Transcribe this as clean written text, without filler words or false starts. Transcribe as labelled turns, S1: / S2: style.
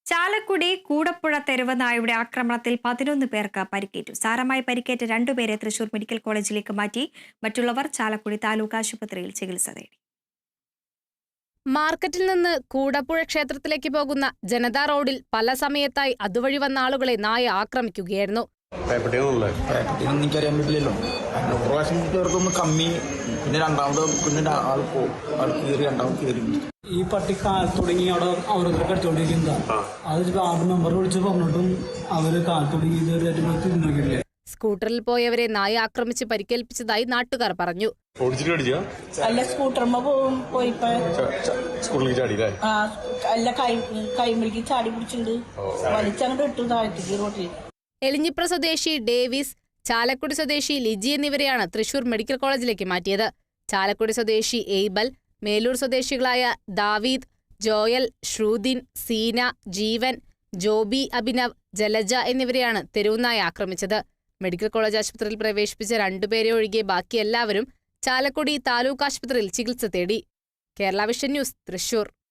S1: ചാലക്കുടി കൂടപ്പുഴ തെരുവ് നായയുടെ ആക്രമണത്തിൽ 11 പേർക്ക് പരിക്കേറ്റു. സാരമായി പരിക്കേറ്റ 2 പേരെ തൃശൂർ മെഡിക്കൽ കോളേജിലേക്ക് മാറ്റി. മറ്റുള്ളവർ ചാലക്കുടി താലൂക്ക് ആശുപത്രിയിൽ ചികിത്സ തേടി.
S2: മാർക്കറ്റിൽ നിന്ന് കൂടപ്പുഴ ക്ഷേത്രത്തിലേക്ക് പോകുന്ന ജനതാ റോഡിൽ പല സമയത്തായി അതുവഴി വന്ന ആളുകളെ നായ ആക്രമിക്കുകയായിരുന്നു.
S3: എനിക്കറിയാൻ പറ്റില്ലല്ലോ. പ്രാവശ്യം ചേർക്കൊന്ന് കമ്മി, പിന്നെ രണ്ടാമത് ആൾ കയറി, രണ്ടാമത് കയറി.
S4: ഈ പട്ടി കാലത്ത് തുടങ്ങി അവിടെ അവരൊക്കെ കടിച്ചോണ്ടിരിക്കുന്നതാണ്. അത് വാർഡ് മെമ്പർ വിളിച്ച് പറഞ്ഞിട്ടും അവര് കാലത്ത് തുടങ്ങി ഇതുവരെ നോക്കിയിട്ടില്ല.
S2: സ്കൂട്ടറിൽ പോയവരെ നായ ആക്രമിച്ച് പരിക്കേൽപ്പിച്ചതായി നാട്ടുകാർ പറഞ്ഞു.
S5: അല്ല, സ്കൂട്ടർമ്മ പോയിപ്പോ അല്ല കൈമിളിക്ക് ചാടി പിടിച്ചിട്ടുണ്ട്, വലിച്ചങ്ങോട്ട് ഇട്ടു താഴ്ത്തിക്ക് റോട്ടിൽ.
S2: എലിഞ്ഞിപ്ര സ്വദേശി ഡേവിസ്, ചാലക്കുടി സ്വദേശി ലിജി എന്നിവരെയാണ് തൃശൂർ മെഡിക്കൽ കോളേജിലേക്ക് മാറ്റിയത്. ചാലക്കുടി സ്വദേശി എയ്ബൽ, മേലൂർ സ്വദേശികളായ ദാവീദ്, ജോയൽ, ശ്രുതിൻ, സീന, ജീവൻ, ജോബി, അഭിനവ്, ജലജ എന്നിവരെയാണ് തെരുവുനായ ആക്രമിച്ചത്. മെഡിക്കൽ കോളേജ് ആശുപത്രിയിൽ പ്രവേശിപ്പിച്ച 2 പേരെ ഒഴികെ ബാക്കി എല്ലാവരും ചാലക്കുടി താലൂക്ക് ആശുപത്രിയിൽ ചികിത്സ തേടി. Kerala vision news, Thrissur.